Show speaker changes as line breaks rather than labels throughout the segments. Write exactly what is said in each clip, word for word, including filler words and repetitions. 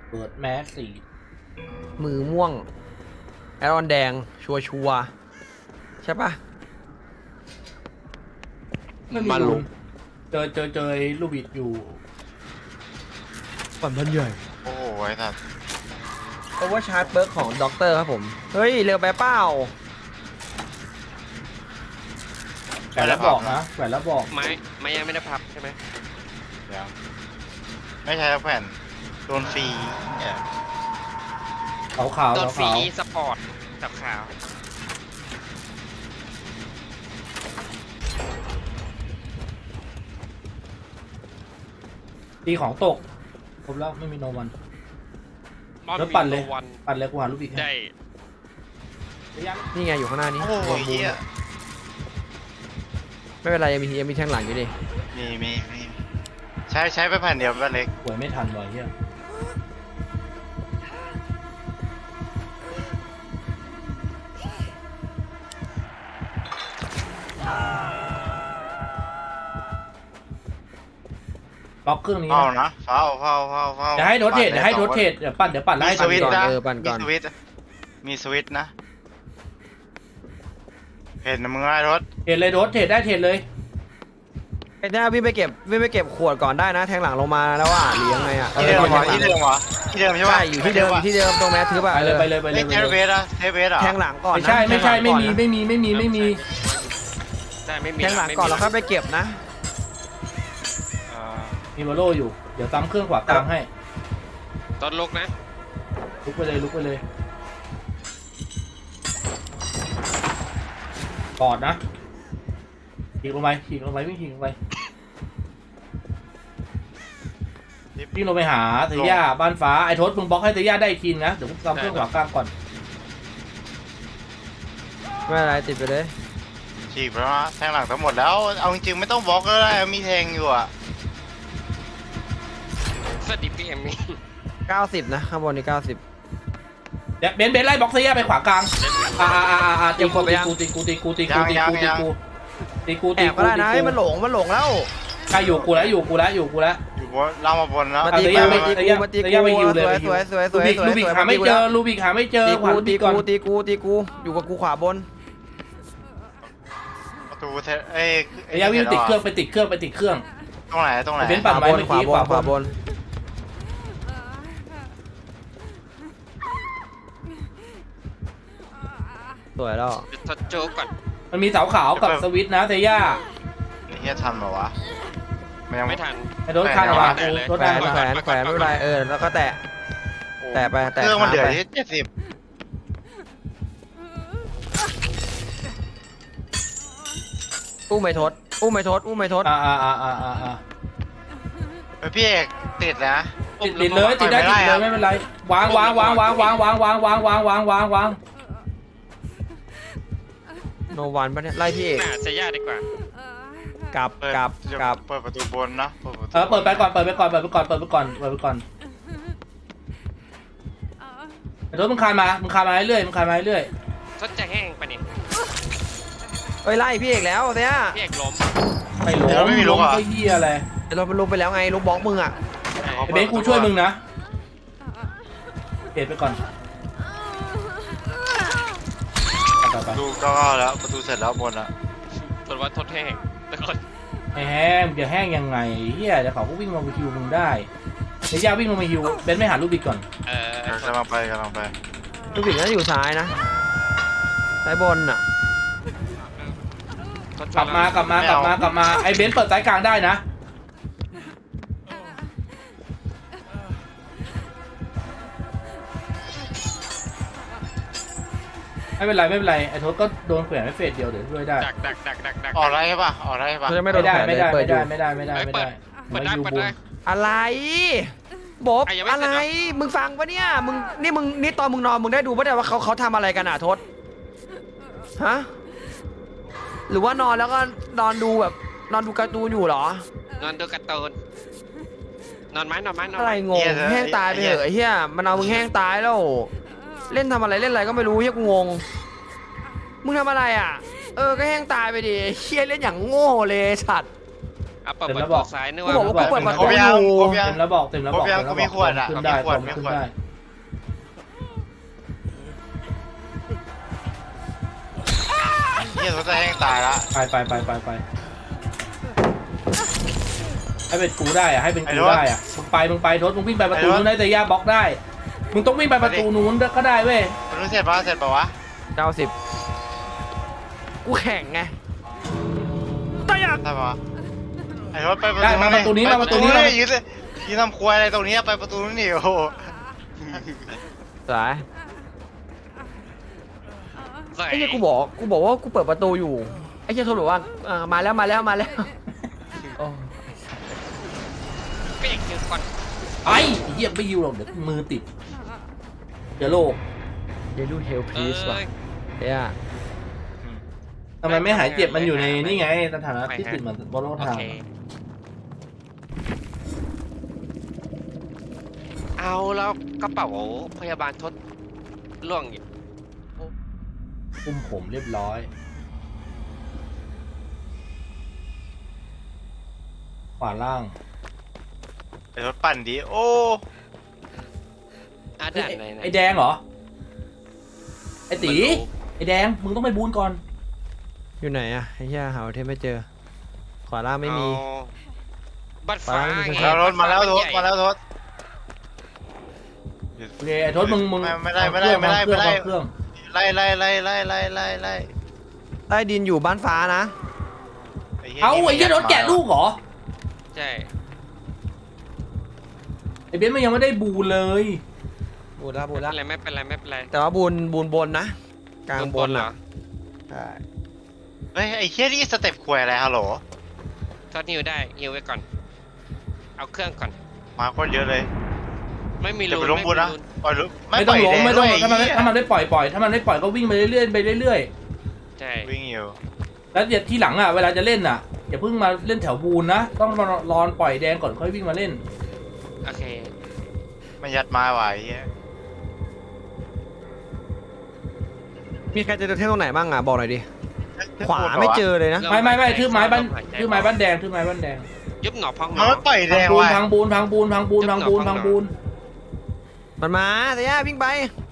เปิดแมสสี่
มือม่วงแอรอนแดงชัวชัวใช่ปะ
มาลุงเจอเจอเจอลูกบิดอยู่
ปั่นพันใหญ่
โอ้โหไอ้สัส
เพราะว่าชาร์จเบิร์กของด็อกเตอร์ครับผมเฮ้ยเร็วไปเปล่า
แหวนแล้วบอกนะแหวนแล้วบอก
ไม้ไม้ยังไม่ได้พับใช่ไหม
เดี๋ยวไม่ใช่แผ่นโดนฟรีเนี่ย
ขาวขาว
โดนฟรี
ขาว
สปอร์ตกับขาว
ตีของตกครบแล้วไม่มีโนวัน
มอน
แล้วปั่นเลย
มีโวัน
ปั่นเลยกูหาลูกบิดให้
ได้
นี่ไงอยู่ข้างหน้านี้
โอ้โหเหี้ย
ไม่เป็นไรยังมียังมีแทงหลังอยู่ดิ
มีมีมีใช้ใช้ไปแผ่นเดียวแผ่นเล็ก
หวยไม่ทันว่ะเฮียล็อกเครื่องนี้
เฝ้า
นะ
นะเฝ้าเฝ้าเฝ้าเฝ้า
เดี๋ยวให้โรเทตเดี๋ยวให้โรเทตเดี๋ยวปั่นเดี๋ยวปั่นไล่
มีสวิตช์
ก่อน
นะ
เออปั่นก่อน
มีสวิตช์มีสวิตช์นะเห็นนะมึงไอ้รถ
เทรดเลยโรเทตได้เทรดเลย
ไอ้หน้าวิ่งไปเก็บวิ่งไปเก็บขวดก่อนได้นะแทงหลังลงมาแล้วอ่ะหรือยังไงอ่ะ
ที่เดิม
ออ
เหรอ
แท
ที่
งห
เดิ
ลัง
มเหรอที่เดิมใช่ปะ
ใช่อยู่ที่เดิมอยู่ที่เดิมตรงแมสทึบอ่ะ
ไปเลยไปเลยไปเล
เฮ้
ย
ย
ไป
เท
เล
เบ
ย
สอะเทเบสเหรอ
แทงหลังก่อน
ไม่
นะ
ใช่ไม่ใช่ไม่มี
แทงหลังก่อนนะ
ไม่มีไม่มีไม่มี
ได้ไม่มี
แทงหลังก่อนแล้วค่อยไปเก็บนะ
เอ่อ
มีโมโลอยู่เดี๋ยวซ้ำเครื่องขวากลางให้
ตอนลุกนะ
ลุกไปเลยลุกไปเลยกอดนะขี่ลงไปขี่ลงไปวิ่งขี่ลงไปวิ่งลงไปหาเตย่าบ้านฟ้าไอ้ทศมึงบล็อกให้เตย่าได้อีกทีนะเดี๋ยวกูซ้ำเครื่องขวากลางก่อน
ไม่เป็นไรติดไปเลย
ฉีกไปแล้วนะแทงหลังทั้งหมดแล้วเอาจริงๆไม่ต้องบล็อกก็ได้มีแทงอยู่อะ
สวัสดีพีเอ็ม
เก้าสิบนะข้างบนนี่เก้าสิบ
เดี๋ยวเบนซ์เบนซ์ไล่บล็อกเตย่าไปขวากลางอ่าอ่าอ่าอ่าตีกูตีกูตีกูตีกูตีกูตีกูตีกูตีกู
แอบก็ได้นะให้มันหลงมันหลงแล้ว
ใครอยู่กูแล้วอยู่กูแล้วอยู่กูแล้ว
อยู่บนล่างมาบนแล้ว
มาตี
เต
กู
ย่า
มาตี
เต
กู
ย่า
มาตี
เตย่าไปฮิ
กู
วเลย
สวยสวยสวยสวย
ลูบิก
สวย
ลูบิกหาไม่เจอลูบิกหาไม่เจอ
ตี
ขวา
กู
ลู
ตี
บิกก่อน
กูตีกูตีกูอยู่กับกูขวาบน
ประตูเทเอ้ย
เตย่าวิ่งติดเครื่องไปติดเครื่องไปติดเครื่อง
ตรงไหนตรงไหน
เบนซ์
ข
ปั่น
วา
ไว้
บน
เมื่อ
ขวา
กี้
บนขวาบน สวยแล้ว
ทดโจ๊กก่อน
มันมีเสาขาวกับสวิตช์นะเตย่า
ไอ้เฮียทันเหรอวะมันยัง
ไม่ทัน
ไอ้รถคันเหรอวะ
แตะเลย
รถ
แขว
ได้
น
ปะ
แขวนแขวนไม่เป็นไรเออแล้วก็แตะ แตะไปแตะ
เครื่องมัน
ขา
เดือด
ไป
ที่เจ็ดสิบ
อู้ไม่ทดอู้ไม่ทดอู้ไม่ทด
อ่าอ่าอ่าอ่าอ่าอ่า
เฮ้ยพี่เอกติดนะ
ติดติดเลยติดได้ติดเลยไม่เป็นไรวางวางวางวางวางวางวางวางวางวางวางวาง
โนวันปะเนี่ยไล่พี่เอก
น่าจะยากดีกว่า
กลับ
เปิด
กลับกลับ
เปิดประตูบนนะเปิดประตู
เออเปิดไปก่อนเปิดไปก่อนเปิดไปก่อนเปิดไปก่อนเปิดไปก่อนไอ้รถมึงคานมามึงคานมาเรื่อยมึงคานมาเรื่อย
ทดจะแห้งปะเนี่ย
เอ้ยไล่พี่เอกแล้วเนี่ย
พี่เอกล้ม
ไม่ล้มล้มก็เหี้ยอะไร
เดี๋ยวเราไปลงไปแล้วไงลูกบล็อกมึงอ่ะ
ไอ้เบนซ์กูช่วยมึงนะเก็บไปก่อนไปไป
ประตูก็แล้วประตูเสร็จแล้วบนอะ
ตรวจว่าทดแห้งแต่ก่อน
ไอ้แห้งจะแห้งยังไงเฮียเดี๋ยวเขาก็วิ่งลงไปฮิวมึงได้เดี๋ยวย่าวิ่งลงไปฮิวเบนซ์ไม่หาลูกบิดก่อน
เออ
เดี๋ยวกำลังไปกำลังไป
ลูกบิดน่าจะอยู่ซ้ายนะซ้ายบนอ่ะ
ทด
กลับมากลับมากลับมากลับมาไอ้เบนซ์เปิดสายกลางได้นะไม่เป็นไรไม่เป็นไรไอ้ทศก็โดนแขวนไว้เฟสเดียวเดี๋ยวช่วยได้
ดักดักดักดักดัก
ออกได้ปะออกได้ปะ
เขาจะไม่โด
ไม่
น
ได้
แขวน
ไม่
เลย
ได้
เปิ
ไม่
ดอ
ได้
ยู่
ไม่ได้ไม่ได้
เฮ้ย
ไม่
เปิ
ได้
ดเปิดได้เปิดได้
อะไรบ๊อบ
อ่ะยังไม่
อะ
เสร็
ไร
จเหรอ
มึงฟังปะเนี่ยมึงนี่มึงนี่ตอนมึงนอนมึงได้ดูปะเนี่ยว่าเขาเขาทำอะไรกันอ่ะทศฮะหรือว่านอนแล้วก็นอนดูแบบนอนดูการ์ตูนอยู่เหรอ
นอนดูการ์ตูนนอนไหมนอนไหมนอน
อะไร
ไหม
งงแห้งตายไปเหอะไอ้เหี้ยมันเอามึงแห้งตายแล้วเล่นทำอะไรเล่นอะไรก็ไม่รู้เหี้ยกูงงมึงทำอะไรอ่ะเออก็แห้งตายไปดิเหี้ยเล่นอย่างโง่เลยสัตว์
เอาเปิด
เต็ม
ประ
แล้วบ
ตู
อก
ซ้ายนึก
กู
ว่า
บอกว่ากูเปิดประ
คร
ตู
บ
อ
ยัง
ยู่
ครบยัง
เต็มแล้วบอกเต็มแล้วบอก
ครบยัง
เต็มแล้ว
กูมีขวดอะ
ขึ้นได้
มีขวด
ผม
มี
ขึ้น
ขวด
ได้
เฮียโทษจะแห้งตายละ
ไปไปไปไปไปให้เป็นกูได้อะให้เป็น
ไอ้
กู
รถ
ได้อะมึงไปมึงไปรถมึงวิ่งไปประตู
ไอ้รถ
นู้นได้แต่ย่าบล็อกได้มึงต้องวิ่งไปประตูนู้นก็ได้เว้ย
มันรู้เสร็จปะเสร็จปะวะ
เก้าสิบกูแข่งไงตายอ่ะ
ใช่ปะวะไอ้รถไปประตู
ได้มาประตูนี้
ไป
มาประตูนี้มา
ยืนเลยยืนทำครัวอะไรตรงนี้ไปประตูนู้นนี่โอ้โห
สาย
ใส่
ไอ้เหี้ยกูบอกกูบอกว่ากูเปิดประตูอยู่ไอ้เหี้ยโทรบอกว่าเออมาแล้วมาแล้วมาแล้วโอ้
เปียกอยู่ก่อน
ไอ้เหี้ยไม่ยิวหรอกเดี๋ยวมือติดเดี๋ยวโลก
เดลูเฮล
เอ
พีสว่ะ
อ
เฮีย
ทำไมไม่หายเจ็บมันอยู่ในนี่ไงสถานะที่ติดเหมือนบอลโล
โอ
ทาง
เคเอาแล้วกระเป๋าพยาบาลทดล่วงอยู่
คุมผมเรียบร้อยขวาล่าง
ไอ้รถปั่นดีโอ้
อา
เฮ้ย
ด่านไหน
ไอ้
ไหน
ไอ้แดงเหรอไอ้ตี
ไม่รู้
ไอ้แดงมึงต้องไปบูนก่อน
อยู่ไหนอะไอ้เหี้ยหาเทมไม่เจอ ขวาล่างไม่มี
เอาบัตรฟ้า
ฟ้าไม่มี
ไง
แล้วรถมาแล้วรถ
ใหญ่
มาแล้วรถ
โอเคไอ้ทศมึงมึง
ไม่ไม่ได้ไม่ได้ไม่ได้ไม่ได้
วางเครื่อง
ไล่ไล่ไล่ไล่ไล่ไล่ไล่
ใต้ดินอยู่บ้านฟ้านะ
หี้ย
เอาไอ้
นี่
เหี้ยรถแกะลูกเหรอ
ใช่
ไอ้เบนซ์มันยังไม่ได้บูนเลย
บูนละบู
ไม่
น
เป็
ละ
นไรไม่เป็นไรไม่เป็นไร
แต่ว่าบูนบูนบนนะ กลางบน
เหร
อ่ะ
อ
ใช่
เฮ้ยไอ้เฮียนี่สเต็ปควยอะไรฮัลโหล
ทอดนิวได้นิวไว้ก่อน เอาเครื่องก่อน
มาโคตรเยอะเลย
ไม่มี
เดี๋ยว
รู
ไป
น
ล้ม
ไม่
บุ
มี
ญนะ
รูน
ปล่อยลุไม่
ไม่
ป
ต้
ล่
อ
อง ย
หลง
แดง
ไม่
ด้
ต้อ
ว
ง
ย
ถ้ามัน
ไอ้เหี้ย
ถ้ามันได้ปล่อยปล่อยถ้ามันได้ปล่อยก็วิ่งไปเรื่อยๆไปเรื่อย
ใช่
วิ่งอยู่
ๆแล้วเดี๋ยวทีหลังอ่ะเวลาจะเล่นอ่ะอย่าเพิ่งมาเล่นแถวบูนนะต้องรอรอปล่อยแดงก่อนค่อยวิ่งมาเล่น
โอเค
มันยัดมาว่ะไอ้เฮีย
มีใครเจอเทมตรงไหนบ้างอ่ะบอกหน่อยดิ ขวาไม่เจอเลยนะ
ไม่ไม่ไม่ทืบไม้บ้านทืบไม้บ้านแดงทืบไม้บ้านแดง
ยุบหนอพองหน
มัน
อ
ไม่ปล่อยแด
พัง
ง
บูน
ว่ะ
พังบูนพังบูนพังบูนพังบูนพังบูน
มันมาแต่ย่าวิ่งไป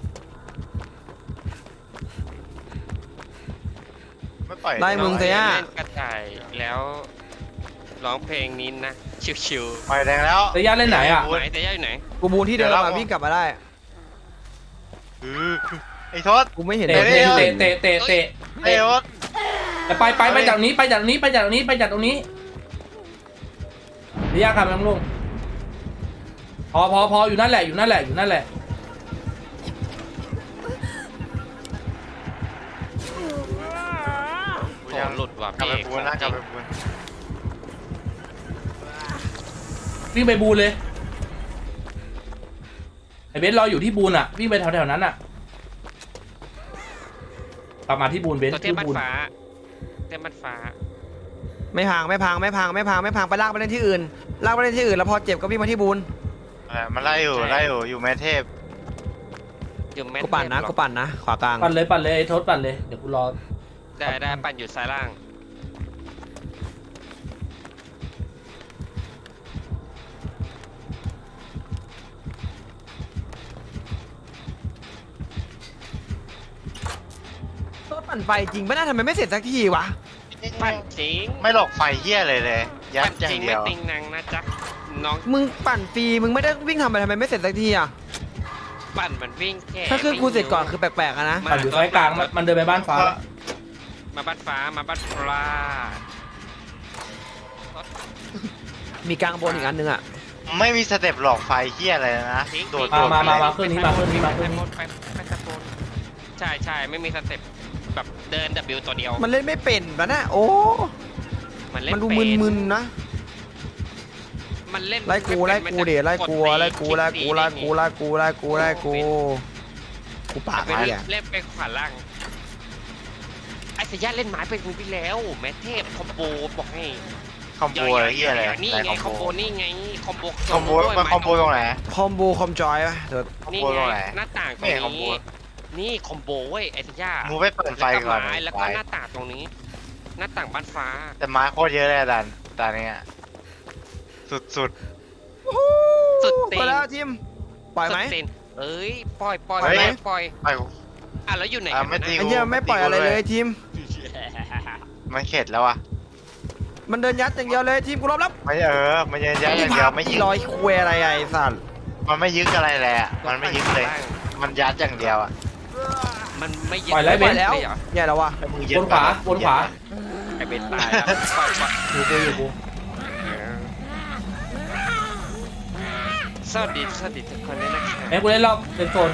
ไม่ปล่อย
ไล่มึงเสีย
เล่นกระต่ายแล้วร้องเพลงนี้นะ ชิว
ปล่อยแดงแล้ว
ระยะเล่นไหนอ่ะ
ๆไหนแต่ย่าอยู่ไหน
กูบูนที่เดิม
เดี๋ยว
อ่ะ
เรา
วิ่งกลับมาได้
เออไอ้ทศ
กูไม่เห็น
เตะ
โด
เตะ
ทม
เตะเตะเตะเตะ
ไอ้
เตะ
ทศ
แต่ไปไปไปจากนี้ไปจากนี้ไปจากนี้ไปจากตรงนี้ระยะครับน้ำลงพอพอพออยู่นั่นแหละอยู่นั่นแหละอยู่นั่นแหละ
โหหลุดว่ะ
กลับ
พี่
ไป
เอก
ปูนนะกลับไปปูน
วิ่งไปบูนเลยไอเบนซ์รออยู่ที่บูนอ่ะวิ่งไปแถวแถวนั้นอ่ะกลับมาที่บูนเบนซ์
ตัวเท
ที่
พบ้าน
บูน
ฟ้าเทพบ้านฟ้า
ไม่พังไม่พังไม่พังไม่พังไม่พังไปลากไปเล่นที่อื่นลากไปเล่นที่อื่นแล้วพอเจ็บก็วิ่งมาที่บูน
เออมันไล่อยู่ไล่อยู่อยู่แม่เทพ
อยู่แม่
กูปั่นนะ
เทพหรอ
กูปั่นนะขวากลาง
ปั่นเลยปั่นเลยไอ้ทศปั่นเลยเดี๋ยวกูรอ
ได้ได้ปั่นอยู่ซ้ายล่าง
ต้นปั่นไฟจริงปะน่าทำไมไม่เสร็จสักทีวะ
ปั่นจริง
ไม่หลอกไฟเฮียเลยเลยยั
ปั่
ด
น
อ
จ
ย่า
ริ
ง
ง
เดี
ไม่
ยว
ติงนางนะจ๊ะน้อง
มึงปั่นฟรีมึงไม่ได้วิ่งทำไปทำไมไม่เสร็จสักทีอ่ะ
ปั่นมันวิ่งแค่
ถ้าเครื่องกูเสร็จก่อนคือแปลกๆอะนะ
ปั่นอยู่ซ้ายกลางมันมันเดินไปบ้านฟ้า
มาบ้านฟ้ามาบ้านปลา
มีกลางบนอีกอันนึงอ่ะ
ไม่มีสเต็ปหลอกไฟเฮียอะไรนะโดด
มา
โดด
มามา
ไป
มาเครื่องนี้มาเครื่องนี้มาเครื่องนี้
ไปไปตะโกนใช่ใช่ไม่มีสเต็ปแบบเดิน W ตัวเดียว
มันเล่นไม่เป็นปะนะโอ้
มันเล่น
มันดู
เป็
มึนๆนะ
มันเล่น
ไล่กูไล่กูเดี๋ยวไล่กูไล่กูไล่กูไล่กูไล่กูไล่กูไล่กูกูปาก
ไป
ไอ้
เล่
อะ
นเล่นไปขวาล่างไอ้สยามเล่นไม้เป็นมือพี่แล้วแมทเทพคอมโบบอกให้
คอมโบอะไรเฮียอะไร
นี่
ไหน
ไง
ค
ค
อ
อ
ม
ม
โบ
โบนี่ไงคอมโบ
คอมโบมันคอมโบตรงไหน
คอมโบคอมจอยปะเดี๋ยว
คอม
นี่
โบตรง
ไง
ไหน
หน้าต่างตร
ไม่
ง
เห็นคอมโบ
นี้นี่คอมโบเว้ยไอ้สยาม
มูไปเปิดไฟก่อน
แล้วก็
ไฟ
หน้าต่างตรงนี้ หน้าต่างบ้านฟ้า
แต่ไม้โคตรเยอะเลยดันตอนนี้สุดสุด
สุดตี
ไป
น
แล้วทีมปล่อยไหม
สุดตีนเอ้ยปล่อยปล่อย
ปล่อยไหม
ปล่อย
ไอ้
อ่ะแล้วอยู่ไหน
อ่ะ
กัน
ไม่
นะ
ตี
ไอ้เหี้ยไม่ปล่อยอะไรเลยทีม
มันเข็ดแล้วอ่ะ
มันเดินยัดอย่างเดียวเลยทีมกูรอบแล้ว
ไม่เออมันยังยัดอย่างเดียวไม่ยึ
อี
ก
ร้อยคุยอะไรไอ้สัตว์
มันไม่ยึกอะไรเลยอ่ะมันไม่ยึกเลย มันยัดอย่างเดียวอ่ะ
มันไม่ยึด
ปล่อยแล้ว
ป
เบ
ล่อย
น
แล้ว
เลยเหรอ
แย่แล้ววะ
ไอ้มึงยึด
บนขวาบนขวา
ไอเบนตายแล้วปล่อยปล่อย
อยู่กูอยู่กู
สวัสดีสวัสดีทุกคนด้วยนะครับ
เบนกูเล่นรอบเป็นโซน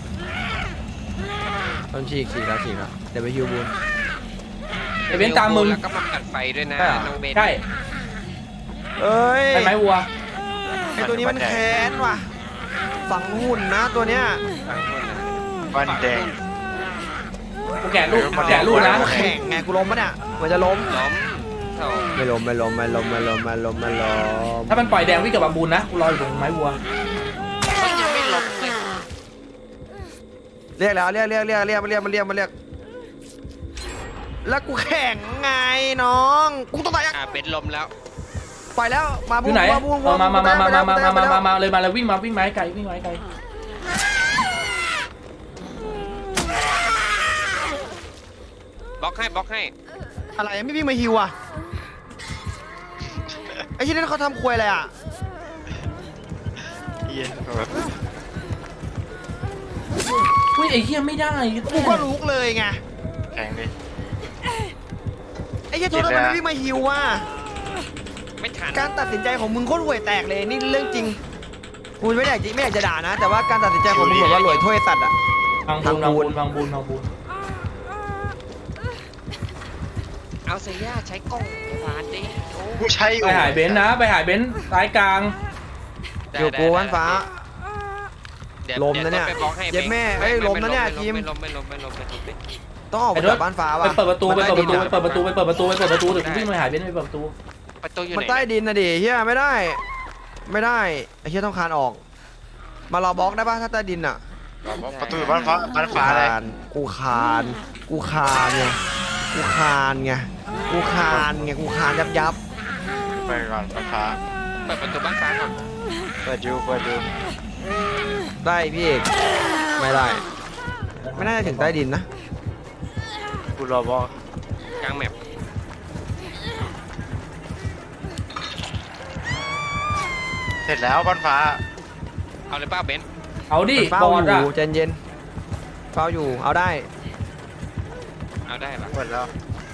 ต้นฉีกฉีกแล้วฉีกแล้วเดี๋ยวไปฮิวบูน
ไอเบนตามมึง
แล้วก็มากัดไฟด้วยนะ
ใช่เหรอ
น้องเบน
ใช่
เอ้ย
ใช่ไหมวัว
ไอ้ตัวนี้มันแค้นว่ะฝังหุ่นนะตัวเนี้ย
ฟังคนนะ
วันแดง
กูแกะลูกแกะลูกนะ
กูแข่งไงกูล้มปะเนี่ยมันจะล้ม
ล้มโถ่
ไม่ล้มไม่ล้มไม่ล้มไม่ล้มไม่ล้มไม่ล้ม
ถ้ามันปล่อยแดงวิ่งกับบาบูนนะกูรออยู่ตรงไม้วัว
เฮ้ยยังไม่ล้มเลย
เรียกแล้วเรียกเรียกเรียกเรียกมันเรียกมันเรียกมันเรียกแล้วกูแข่งไงน้องกูต้องตายยัง
อ่ะเบนล้มแล้ว
ไปแล้วมา
อ
บู
ยู่
น
ไหน
มาบูน
เอามามามามามามามามา
มา
มามาเลยมาเลยวิ่งมาวิ่งมาให้ไกลวิ่งมาให้ไกล
บล็อกให้บล็อกให้
อะไรไม่วิ่งมาฮิวอ่ะไอ้ที่นั่นเขาทำควยอะไรอ่ะ
เหี้ย
อุ้ยไอ้เหี้ยไม่ได้
กูก็ลุกเลยไง
แข่งดิ
ไอ้เหี้ยโทษนะมันไม่วิ่งมาฮิวว่ะ
ไม่ทัน
การตัดสินใจของมึงโคตรห่วยแตกเลยนี่เรื่องจริงกูไม่อยากจะไม่อยากจะด่านะ แต่ว่าการตัดสินใจของมึงเหมือนว่าหลวยถ้วยสัตว์อ่ะ
พังบูนพังบูนพังบูนพังบูน
เอาเซียใช้กล้องพยาบาลดิโอ้
กูใช้อยู่
ไปหายเบนนะไปหายเบนซ้ายกลาง
อยู่กูวันฟ้า
ดี๋ว
ล้มนะเนี่ย
ดี๋วต้องไปบล็อกให้
เย็ดแม่เอ้ยล้มนะเนี่ยทีม
ไม่ล้มไม่ล้มไม่ล้มไม่ล้มไม่ล้ม
ต้องออก
ไอ้
มา
รถ
จากบ้านฟ้า
ไป
ว่ะ
เปิดประตูไป
มัน
เปิด
ใต้
ประตู
ดิน
ไป
อะ
เปิดประตูไปเปิดประตูไปเปิดประตูเดี๋ยวกูวิ่งไปหายเบนไปเปิดประตู
ประตูอยู่
มัน
ไหน
ใต้ดินนะดิเฮียไม่ได้ ไม่ได้ไอ้เฮียต้องคานออก มารอบล็อกได้ป่ะถ้าใต้ดินอ่ะ
ประตูบ้านฟ้าบ้านฟ้าเลย
กูคานกูคานไงกูคานไงกูคานไงกูคานยับยับ
ไปก่อนบ้านฟ้า
เปิดประตูบ้านฟ้าก่อน
เปิดดูเปิดดู
ได้พี่เอกไม่ได้ ไม่น่าจะถึงใต้ดินนะ
กูรอบอก
กลางแมป
เสร็จแล้วบ้านฟ้า
เอาเลยป้าเบนซ์
เอาดิ
มันเฝ้า
บอ
อ
ลอะ
ยู่ใจเย็นเฝ้าอยู่เอาได้
เอาได้ปะ
หมดแล้ว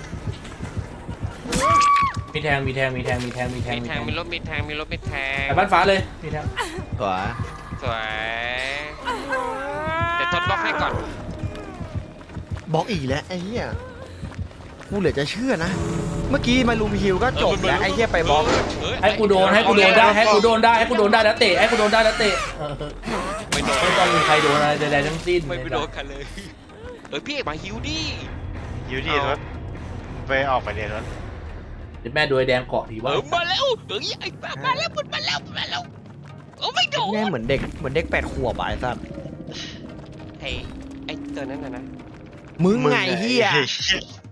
มีแทงมีแทงมีแทงมีแทงมีแทง
มีแทงมีรถมีแทงมีรถมีแทง
ไปบ้านฟ้าเลยมีแทง
ตัว
สวยเดี๋ยวทดบล็อกให้ก่อน
บล็อกอีกแล้วไอ้เหี้ยกูเหลือจะเชื่อนะ เมื่อกี้มาลูมฮิวก็จบแล้วไอ้เหี้ยไปบล็อก
เฮ้ย
ให้กูโดนให้กูโดนได้ให้กูโดนได้ให้กูโดนได้แล้วเตะให้กูโดนได้แล้วเตะเออ
ไม่โดน
ไม่ต้องมีใครโดนอะไรใดๆทั้งสิ้น
ไม่ไปโดนกันเลยเฮ้ยพี่เอกมาฮิวดิ
อยู่ที่รถไปออกไปเรียนรถ
เดี๋ยวแม่โดยแดงเกาะที
เอ
ว่า
อมาแล้วเฮ้ยไอ้ป้ามาแล้วมันมาแล้วมาแล้วโอ้ไม่โดน
แม่เหมือนเด็กเหมือนเด็กแปดขวบอะไอ้สัส
ไอ้ไอ้ตัวนั้นน่ะนะ
มึงไงเหี้ย
ไอ้